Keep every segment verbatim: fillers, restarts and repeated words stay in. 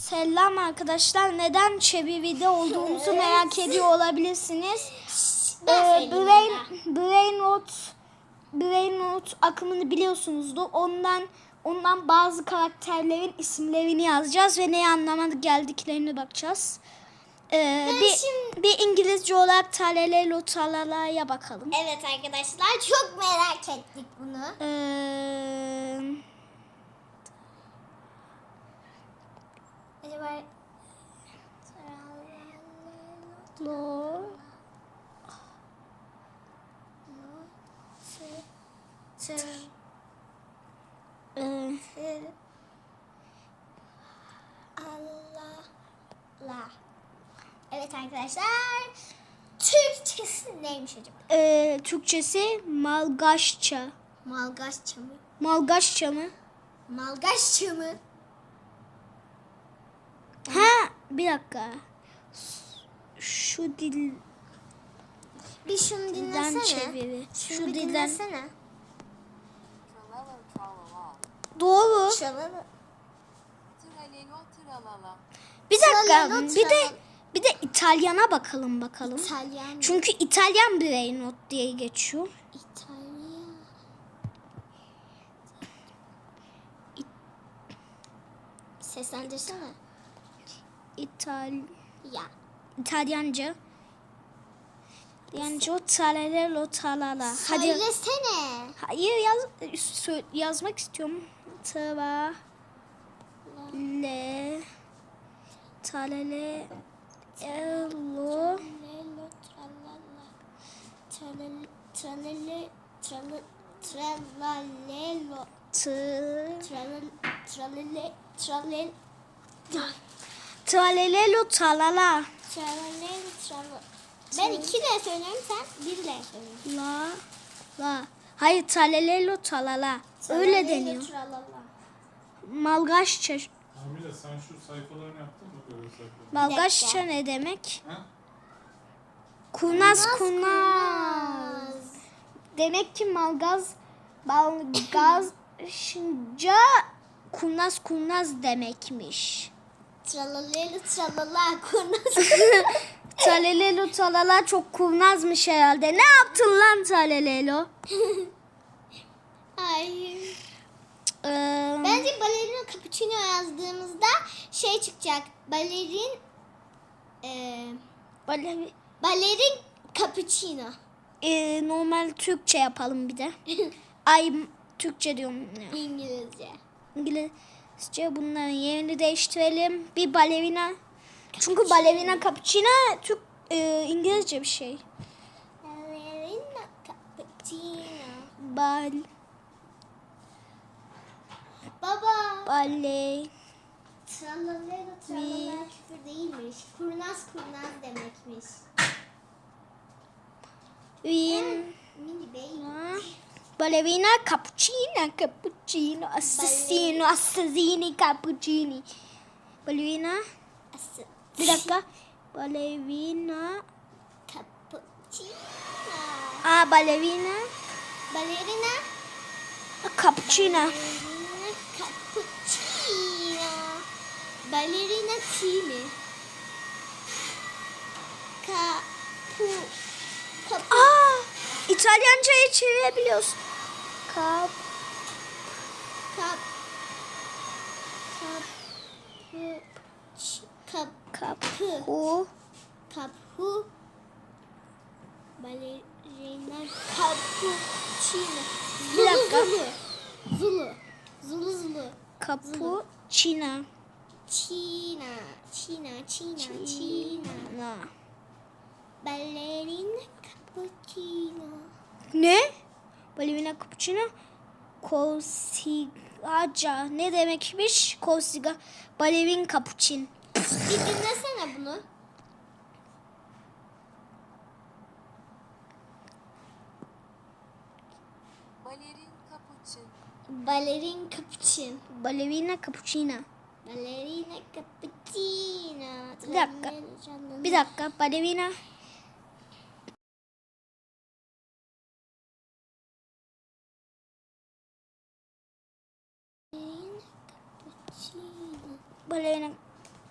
Selam arkadaşlar. Neden Çebivi'de olduğumuzu merak ediyor olabilirsiniz. Ee, Brain, Brain Rot, Brain Rot akımını biliyorsunuzdur. Ondan ondan bazı karakterlerin isimlerini yazacağız ve neye anlamına geldiklerine bakacağız. Ee, bir, şimdi... bir İngilizce olarak talele lotalala'ya bakalım. Evet arkadaşlar, çok merak ettik bunu. Ee, Acaba lo e, Allah la. Evet arkadaşlar, Türkçesi neymiş acaba? e, Türkçesi Malgaçça. Malgaçça mı? Malgaçça mı? Malgaçça mı? Ha, bir dakika. Şu dilden Bir şunu dinlesene. çeviri. Şunu Şu bir dilden. dinlesene. Doğru. Çalalım. Tralelo tralala. Bir dakika. Tralala, Bir de tralala. bir de İtalyana bakalım bakalım. İtalyan. Çünkü İtalyan Brain Rot diye geçiyor. İtalyan. Seslendirsene. İtal Ya. İtalyanca. İtalyanca talelelo talala. Hadi. Söylesene. Hayır yaz sö- yazmak istiyorum. Tava le talele elo Lelo tralala. Tralele tralele tralele tralalelo. t Tralele tralele tralele talelelo talala tralele tralele. Ben iki de söylüyorum, sen bir de söylüyorsun. la la. Hayır talelelo talala. Öyle Tralele, deniyor. tralala. Malgaçça. Amile sen şu sayfalarını yaptın mı böyle sayfaları? Malgaçça ne demek? Ha? Kurnaz kurnaz. Demek ki malgaz malgazca kurnaz kurnaz demekmiş. Tralalelo tralala kurnaz. Talelelo talala çok kurnazmış herhalde. Ne yaptın lan Talelelo? Hayır. Ee, Bence balerina cappuccino yazdığımızda şey çıkacak. Balerin e, böyle, balerin cappuccino. e, normal Türkçe yapalım bir de. Ay Türkçe diyorum. İngilizce. İngilizce bunların yerini değiştirelim. Bir balerina. Çünkü balerina cappuccino Türk e, İngilizce bir şey. Balerina cappuccino. Bal Baba. bale Tralalelo tralala küfür değilmiş. Kurnaz kurnaz demekmiş. win Mini bey. ballerina cappuccino cappuccino assassino assassini cappuccini. Ballerina Asıl. bir dakika. Ballerina Cappuccino. aa ballerina Balerina. cappuccino. Balerina cappuccino. Balerina tea mi? Kapu. Kapu. Aa İtalyanca'ya çevirebiliyorsun. Kap Kap. Kapu. Kap. kapı Kapu. Balerina cappuccino. Bir dakika. Zulu. Zulu. Zulu zulu. cappuccino. Çina. Çina. Çina. Çina. Na. Ballerina cappuccino. Ne? Ballerina cappuccino. Kosigaca. Ne demekmiş? Kosiga. Balerin cappuccino. Bir dinlesene bunu. Balerin kapuçin. Balerin cappuccino. Ballerina cappuccino. Ballerina cappuccino. Bir dakika. Bir dakika. Ballerina. Ballerina cappuccino. Ballerina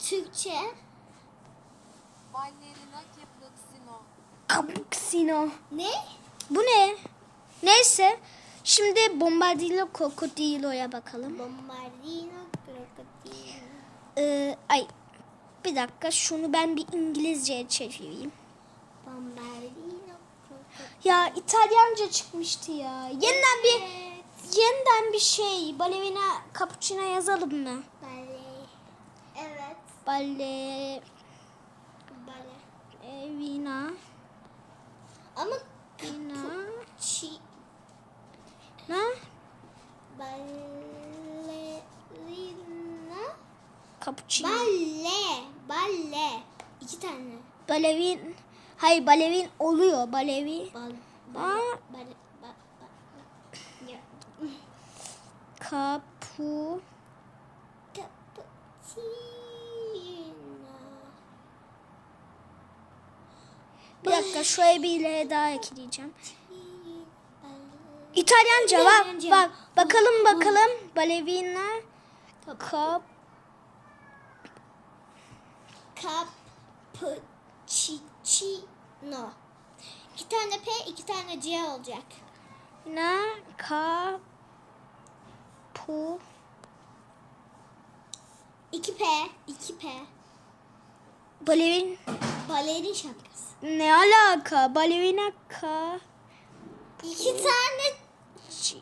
Türkçe. Ballerina capuccino. Cappuccino. Ne? Bu ne? Neyse. Şimdi Bombardino Crocodilo'ya bakalım. Bombardino krokodilo. Ee, ay bir dakika şunu ben bir İngilizceye çevireyim. Bombardino krokodilo. Ya İtalyanca çıkmıştı ya. Yeniden bir Evet. yeniden bir şey. Ballerina Cappuccino yazalım mı? Bale. Evet. Ballerina Bale. Ama Ina çi na ballerina. Cappuccino. Balle. Balle. İki tane. Balevin. Hayır balevin oluyor. Balevi. Bal. Aa. Bale. Bale. Ba, ba. Ya. Kapu. Cappuccino. Bir dakika şuraya bir ile daha ekleyeceğim. İtalyanca bak. İtalyanca. Bak bakalım bakalım. Balevina. Kap. Cappuccino. İki tane P, iki tane C olacak. Na. Kapu. İki P, iki P. Balevin. Balerin şapkası. Ne alaka? Balevina ka. İki tane Ci-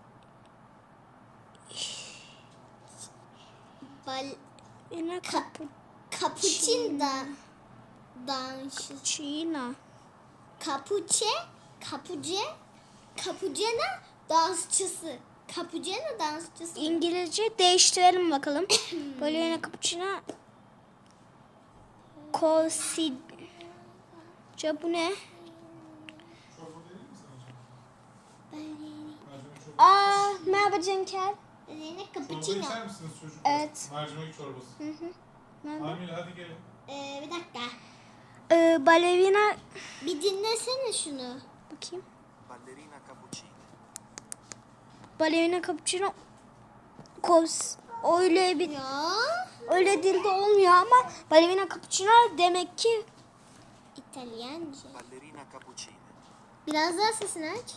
bal Ina kapu. cappuccino da dans. Çina. Kapuçe, kapuce, kapucena dansçısı. Kapucena dansçısı. İngilizce değiştirelim bakalım. Balevina cappuccino. Kosidca bu ne? Çorba değil mi sana canım? Balerin. Mercimek çorbası. Aa merhaba Cenker. Balerin Çorba cappuccino. içer misiniz çocuklar? Evet. Mercimek çorbası. Hı hı. Merhaba. Amil hadi gelin. Ee, bir dakika. Ee, balevina Bir dinlesene şunu. bakayım. Ballerina cappuccina. Balevina cappuccino. Kos. Öyle bir Ya. öyle dilde olmuyor ama balevina cappuccino demek ki İtalyanca. Ballerina cappuccina. Biraz daha sesini aç.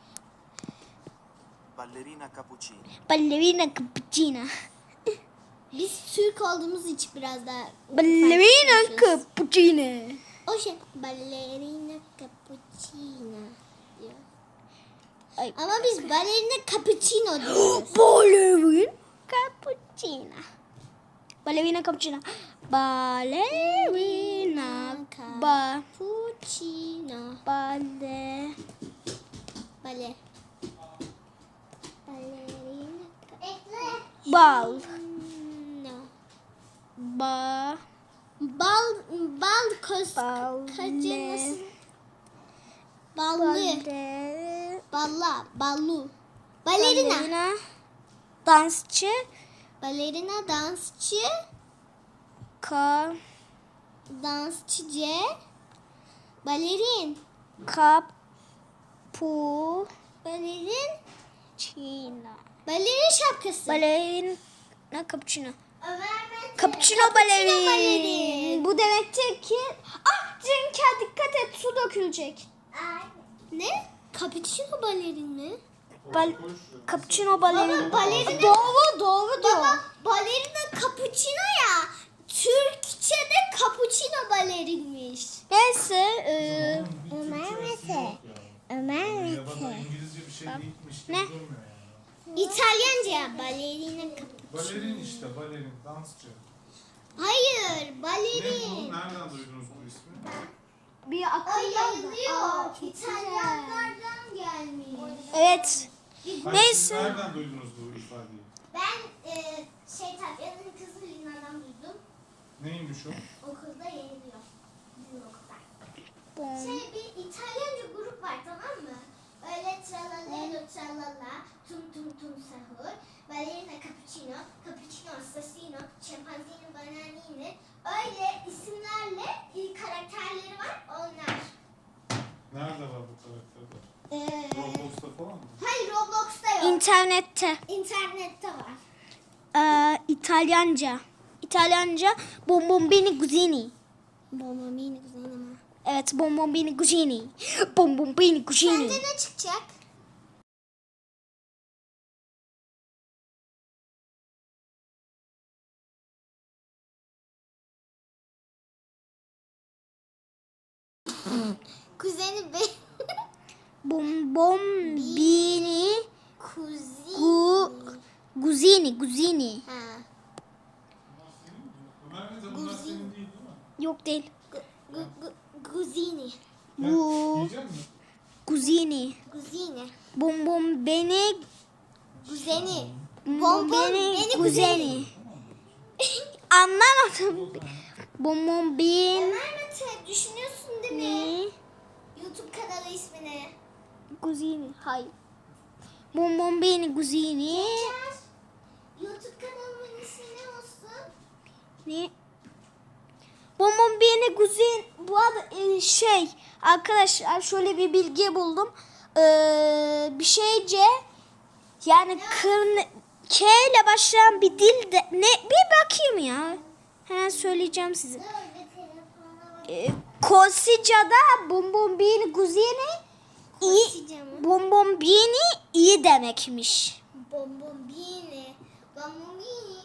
Ballerina cappuccina. balevina cappuccino. Biz Türk olduğumuz için biraz daha Balevina farklı konuşuyoruz. cappuccino. O şey ballerina cappuccino diyor. Ay. Ama biz ballerina cappuccino diyoruz. Balevina cappuccino. Balevina cappuccino. Balevina ba Cappuccino. bale Bale. Ballerina bal cappuccino. ba Bal bal kos Bal- kacı nasıl? Ballı. bale Balla. Ballu. Balerina. balevina dansçı Balerina dansçı. ka Dansçı C. Balerin. kapu Balerin. Çina. Balerin şapkası. Balevina cappuccino. Ömer Mete. Cappuccino balerin. balerin. Bu demektir ki ah Cenker dikkat et su dökülecek. Ne? Cappuccino balerin mi? Bal Koy şuraya. cappuccino balerin. Baba, balerina- Doğru doğru diyor. Baba balerina cappuccino ya. Türkçe'de cappuccino balerinmiş. Neyse e, Onun bir Ömer Türkçesi Mete. yok ya. Ömer Ya da da İngilizce bir şey değilmiş gibi Ne? durmuyor yani. İtalyanca balerina cappuccino. Balerin işte balerin, dansçı. Hayır Ne bu? balerin. Nereden duydunuz bu ismi? bir O akıllı. yazıyor. İtalyanlardan gelmiş. Evet. Hayır, Neyse. Siz nereden duydunuz bu ifadeyi? Ben e, şey Tatya'nın kızı Lina'dan duydum. Neymiş o? Okulda yayınlıyor. Bizim okulda. Bom. Şey bir İtalyanca grup var tamam mı? Öyle tralalelo tralala, tum tum tum sahur, ballerina cappuccino, cappuccino assassino, şempanzini bananini. Öyle isimlerle e, karakterleri var onlar. Nerede var bu karakterler? Ee, Roblox'ta falan mı? hayır Roblox'ta yok. İnternette. İnternette var. Ee, İtalyanca. İtalyanca bombombini cucini. Bombomini güzel ama. Evet, bombombini cucini. Bombombini cucini. Sence ne çıkacak? Kuzeni be. Bombombini Kuzini. gu guzini guzini. Ha. Ömer Mete bunlar senin değil değil mi? Yok değil. Gu, gu, guzini. Bu Yiyecek misin? guzini. Guzini. Bombombini Guzeni. bombombini guzini. Anlamadım. Bombombini Ömer Mete düşünüyorsun değil mi? YouTube kanalı ismini. guzini. Hayır. Bombombini guzini. Geçer. YouTube kanalımın ismi ne olsun? Ne? Bombombini guzin. Bu arada e, şey arkadaşlar şöyle bir bilgi buldum. Ee, bir şeyce yani kırn K ile başlayan bir dil de ne bir bakayım ya. Hemen söyleyeceğim size. Dur bir telefona bak. Ee, Kosica'da bombombini guzini iyi Kosica mı? bombombini iyi demekmiş. Bombombini. Bombombini.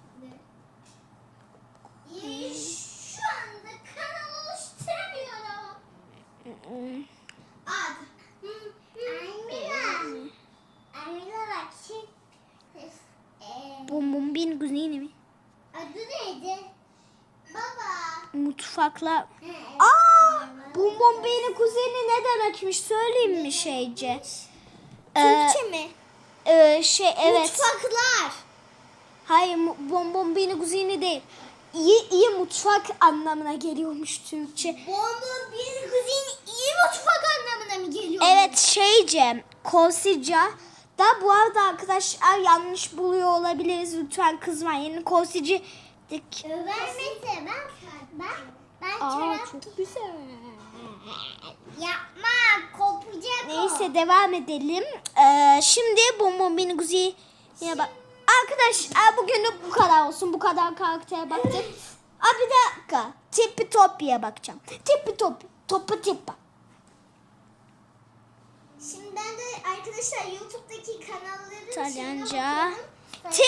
Ya şu anda kanal oluşturamıyorum. Ad. Amira. Amira bak şimdi. Ee, Bombombini guzini mi? adı neydi? Baba. Mutfakla. Aa! Bombombini kuzeni ne demekmiş söyleyeyim mi şeyce? Ee, Türkçe mi? e, şey evet. Mutfaklar. Hayır mu- bombombini kuzeni değil. İyi iyi mutfak anlamına geliyormuş Türkçe. Bombombini kuzini iyi mutfak anlamına mı geliyor? Evet şeyce Kosica da bu arada arkadaşlar yanlış buluyor olabiliriz. Lütfen kızmayın. Kosici Ömer Mete ben ben ben Aa çorap çok güzel. yapma kopacak o. Neyse devam edelim. Ee, şimdi Bombombini Guzi'ye bak. Arkadaşlar bugünlük bu kadar olsun. Bu kadar karaktere baktık. Aa, bir dakika. Tipi Topi'ye bakacağım. Tipi Topi. Topu Tipa. Şimdi ben de arkadaşlar YouTube'daki kanalların İtalyanca. şeyine Tipi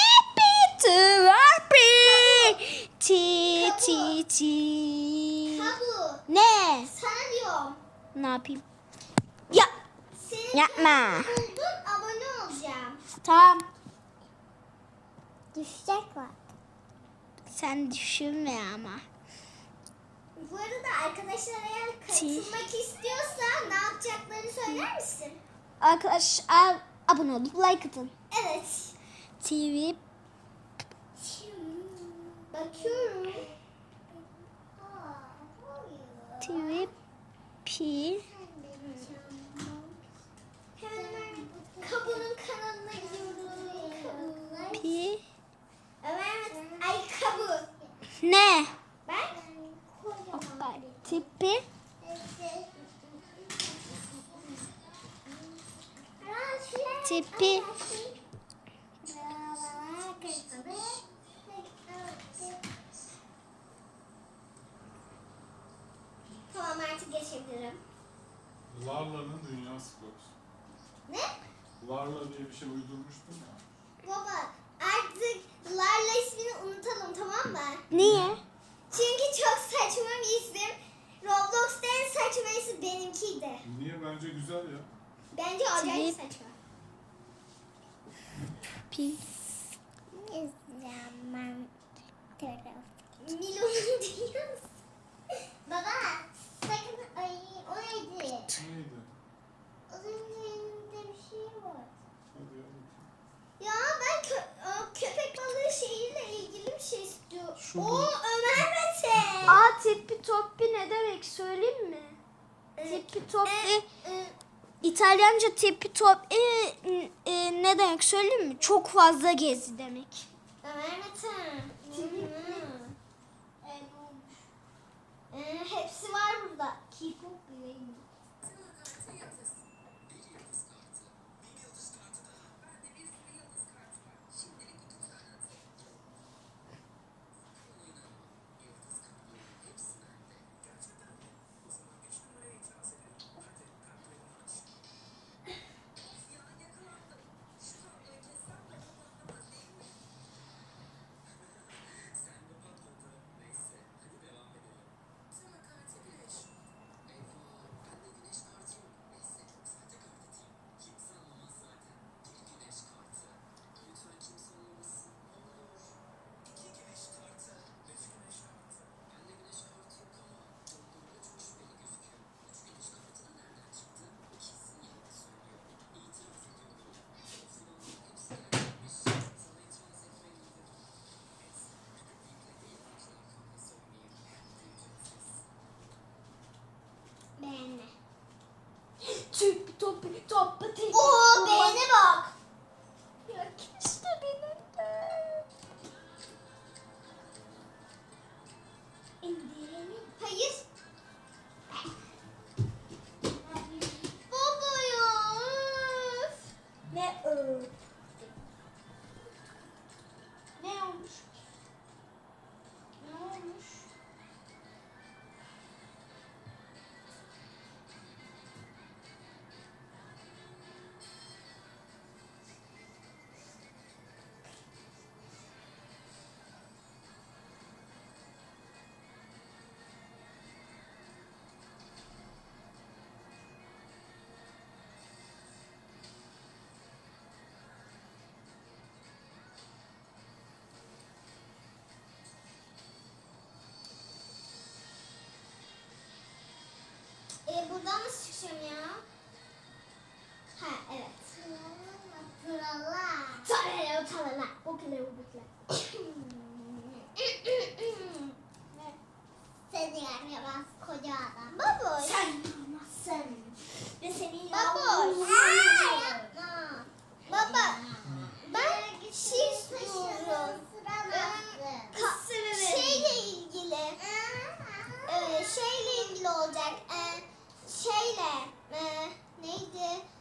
Topi. Ti ti ti. Tabu. Ne? Sana diyorum. Ne yapayım? Ya Senin Yapma. kanalını buldum abone olacağım. tamam. Düşecek var. Sen düşünme ama. Bu arada arkadaşlar eğer katılmak istiyorsa ne yapacaklarını söyler misin? Arkadaşlar abone olup like atın. Evet. T V Bakıyorum. T V P Hemen Kabu'nun kanalına gidiyorum. P Evet. Ay Kabu. ne? Ben Hoppa. Tipi Tipi Tamam artık geçebilirim. Larla'nın dünyası kokusu. Ne? Larla diye bir şey uydurmuştum ya. Baba artık Larla ismini unutalım tamam mı? niye? Çünkü çok saçma bir isim. Roblox'ta en saçma isim benimkiydi. Niye? Bence güzel ya. Bence acayip Tip. saçma. P Zaman taraf. Milo'nun dünyası. Baba sakın ay o neydi? Neydi? Az önce elimde bir şey var. Hadi ya. Ya ben kö- o köpek balığı şeyiyle ilgili bir şey istiyorum. Şu Oo bu. Ömer Mete. Aa tipi topi ne demek söyleyeyim mi? Tipi topi Ee, İtalyanca tipi topi e, e, ne demek söyleyeyim mi? Çok fazla gezi demek. Ömer Mete. Hı. Ee, hepsi var burada. Keep up bebeğim. Topi topi topi. Oo beğene bak. Ya keşke benim de. İndirelim. Hayır. Baba ya. Öf. Ne ö? Ne olmuş? Ne olmuş? E, buradan nasıl çıkacağım ya? Ha evet. Tralala. Tralala. Tralala. Okula okula. Seni yaramaz koca adam. Baboş. Sen yapamazsın. Ve seni Baboş. yapamazsın. Yapma. Baba. Ben bir şey istiyorum. Ka- şeyle ilgili. Ee, şeyle ilgili olacak. Ee, şeyle. Ee, neydi?